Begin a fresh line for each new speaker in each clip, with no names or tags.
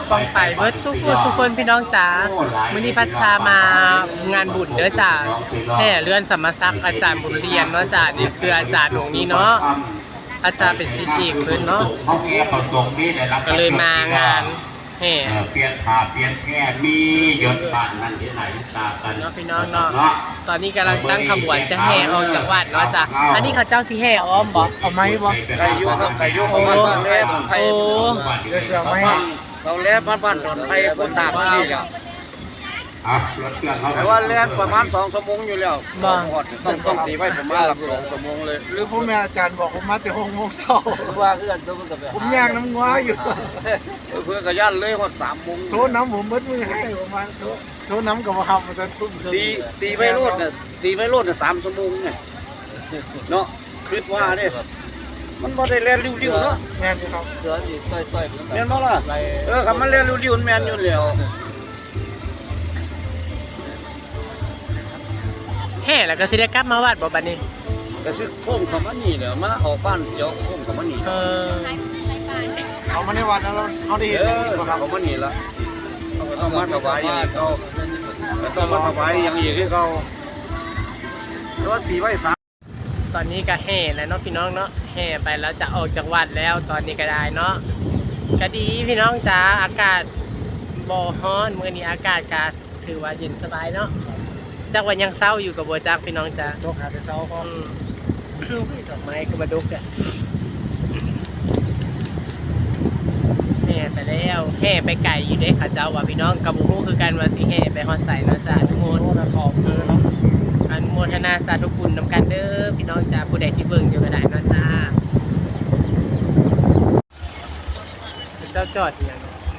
ปองไปเบิร์ดสุคนพี่น้องจ๋ามื้อนี้พัชชามางานบุญเด้อจ้าแห่เลื่อนสมศักดิ์อาจารย์บุญเรียนเนาะจ้านี่คืออาจารย์หลวงนี้เนาะอาจารย์เป็นศิษย์เอกเพิ่นเนาะก็เลยมางานแห่
เปลี่ยนผ่าเปลี่ยนแง่มียศบ้านนั่นที่ไหนตากัน
เนาะพี่น้องเนาะตอนนี้กำลังตั้งขบวนจะแห่ออกจากวัดเนาะจ้าอันนี้เขาเจ้าสิแห่อ้อมบ่
เอาไม้บ่
ไก่ยุครับไก่ยุของบ้านแรก
โอ้
เดี๋ยวจะเอาไม้
เราแรกบ้านตอนไทยคนตากนี่แหละรถเครื่องเขาแต่ว่าแรกประมาณ2 ชั่วโมงอยู่แล้วต้องตีไว้ประมาณ2 ชั่วโมงเลย
หรือผมแม่อาจารย์บอกผมมาแต่6 โมงเช้า
ว่าเพื่อนตัวกับ
ผมย่างน้ำงัวอยู่
เพื่อนกับย่านเลยหมด3 โมง
โทษน้ำผมเบิดมือให้ประมาณโทษน้ำกับว่าทำมาจนทุ่ม
ตีไม่รดน่ะตีไม่รดน่ะ3 ชั่วโมงไงเนาะคิดว่าเนี่ยมันบ่ได้แล่นริ้วๆเนาะ
แม่นครับ
เสือนี่ต่อยๆแม่นบ่ล่ะคันมันแล่นริ้วๆมันแม่นอยู่แล้ว
แห่แล้วก็สิได้กลับมาวัดบ่บัดนี้
ก็สิโค้งเข้ามานี่แหละมาออกบ้านเสียวโค้งเข้ามานี่
เอามาในวัดแล้วเขาได้เห็น
บ่ครับเข้ามานี่ละเอามาถวายอย่างเขาต้องมาถวายอย่างอีกให้เขารถตีไว้
ตอนนี้ก็แห่แล้วเนาะพี่น้องเนาะแห่ไปแล้วจะออกจากวัดแล้วตอนนี้ก็ได้เนาะก็ดีพี่น้องจ๋าอากาศบ่ร้อนมื้อนี้อากาศก็ถือว่าเย็นสบายเนาะจักว่ายังเศร้าอยู่กับบัวจักพี่น้องจ๋า
ตกหาแต่เช้าก็
ดอกไม้ก็มาดุกอ่ะแห่ไปแล้วแห่ไปไก่อยู่ได้ค่ะเจ้าว่าพี่น้องกับบุ้งคือกันว่าสิแห่ไปฮอดใส่เนาะจ้าทุกคน
ขอบคือเนาะ
อนุโมทนาสาธุคุณนำกันเด้อพี่น้องจ๋าผู้ใดที่เบิ่งอยู่ก็ได้เนาะจ้าเจ้าจอดอย่าง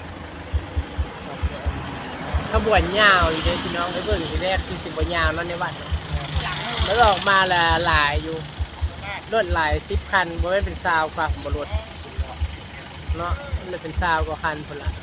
ขบวนยาวอยู่เลยพี่น้องไปเบิ่งทีแรกคือสิบยาวแล้วในวัดแล้วออกมาละหลายอยู่รถหลาย10 คันบ่ได้เป็นซาวกว่าบ่รถเนาะมันเป็นซาวกว่าคันพุ่นละ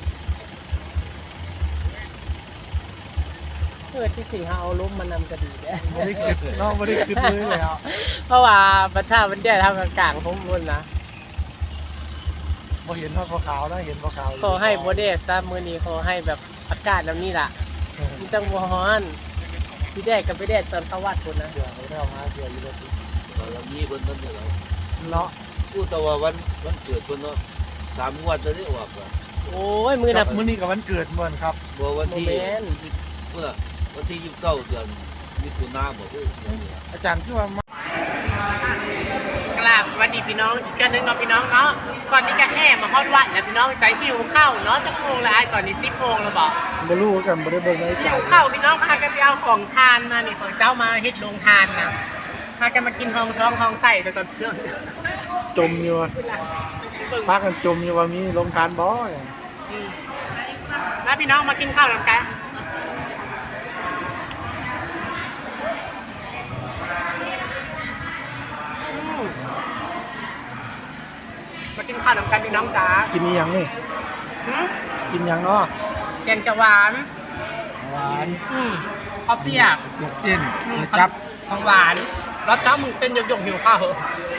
ที่สิ่งเขาเอาล้มมานำก็ดีแด้
ไม่ได้คิดน้องไม่ได้คิดเลยแล้ว
เพราะว่าประชามันเดียทำกลางผมพุ่นนะ
พอเห็นว่าขาวนะเห็นขาว
ขอให้โบเดสซะมือนี้ขอให้แบบอากาศแบบนี้ล่ะมันจังบ่ร้อนสีแดดกับไปแดดตอนเข้าวัดพุ่นนะ
เดี๋ยวไม่ได้เอามาเดี๋ยวอยู่เลย
เรามีคนนั้นเดี๋ยว
เนาะ
พูดแต่ว่าวันเกิดคนเนาะ3 งวดจะได้ออกอ่ะ
โอ้ยมือนับ
มื้อนี้กับวันเกิดเหมือนครับ
บ่วันที่เมื่อวันที่29 เดือนมิถุนายนบอกว่า
อาจารย์คือว่
ากราบสวัสดีพี่น้องอีกกันนึงเนาะพี่น้องเนาะก่อนนี้ก็แห่มาฮอดวัดแล้วพี่น้องใจหิวข้าวเนาะจะโมงแล้วตอนนี้10 โมงแล้วบอก
บ่รู้กันบ่ได้เบิ่งใน
หิวข้าวพี่น้องพากันไปเอาของทานมานี่ของเจ้ามาเฮ็ดโรงทานนะพากันมากินห้องท้องห้องไส้จนตอนเครื่อง
จมอยู่พากันจมอยู่ว่ามีโรงทานบ่
แล้วพี่น้องมากินข้าวนำกันมากินข้าวนำกันพี่น้องจ๋า
กินนี่ยังนี่กินยังเนาะ
แกงจะหวานข้าวเปียก
ลูกจิ้นจับ
ของหวานแล้วเจ้ามึงเป็นหยกหิวข้าวเหรอ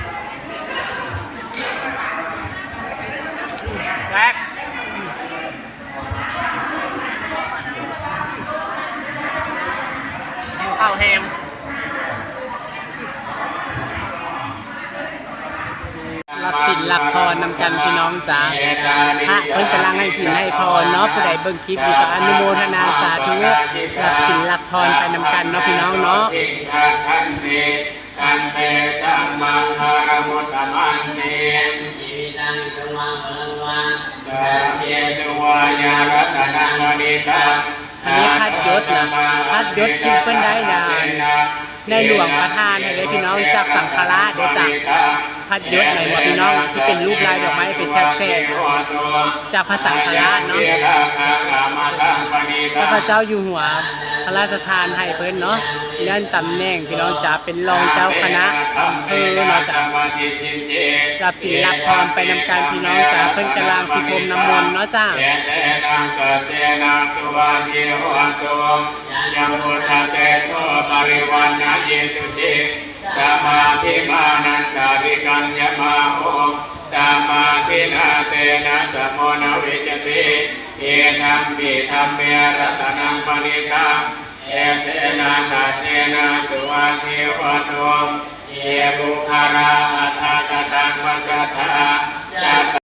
แรกข้าวแฮมรับสินรับพรนำกันพี่น้องจ๋าพระเพิ่นกำลังให้สินให้พรเนาะผู้ใดเบิ่งคลิปอยู่ก็อนุโมทนาสาธุรับสินรับพรไปนำกันเนาะพี่น้องเนาะ
ตันเตจัมมังคารมุตตมันเนอิตังสุมังลังวันเตเยสุวายารัตนังวดิตา
อันนี้พัดยศนะพัดยศที่เพิ่นได้นะในหลวงประทานให้เลยพี่น้องจากสังฆราชได้จากพัดยศในหมวดพี่น้องที่เป็นรูปลายดอกไม้เป็นแฉกจากพระสังฆราชเนาะพระเจ้าอยู่หัวพระราชทานให้เพิ่นเนาะนั่นตำแหน่งพี่น้องจะเป็นรองเจ้าคณะอำเภอเนาะจ้ะรับศีลรับพรไปนำการพี่น้องจ้ะเพิ่นกำลังสิพรมน้ำมนต์เนาะจ้ะยังพุทธเตโตปริวันนะเยสุติสมาธิมานันตาริกัญญมาโหต
ตามาทินาเตนะสมโนวิจติเอธัมปิธัมเมรัตนังปณิตังเอเตนะนาเตนะสุวัฏเทวโนเยบุคาราอัฏฐกตังวัจจตา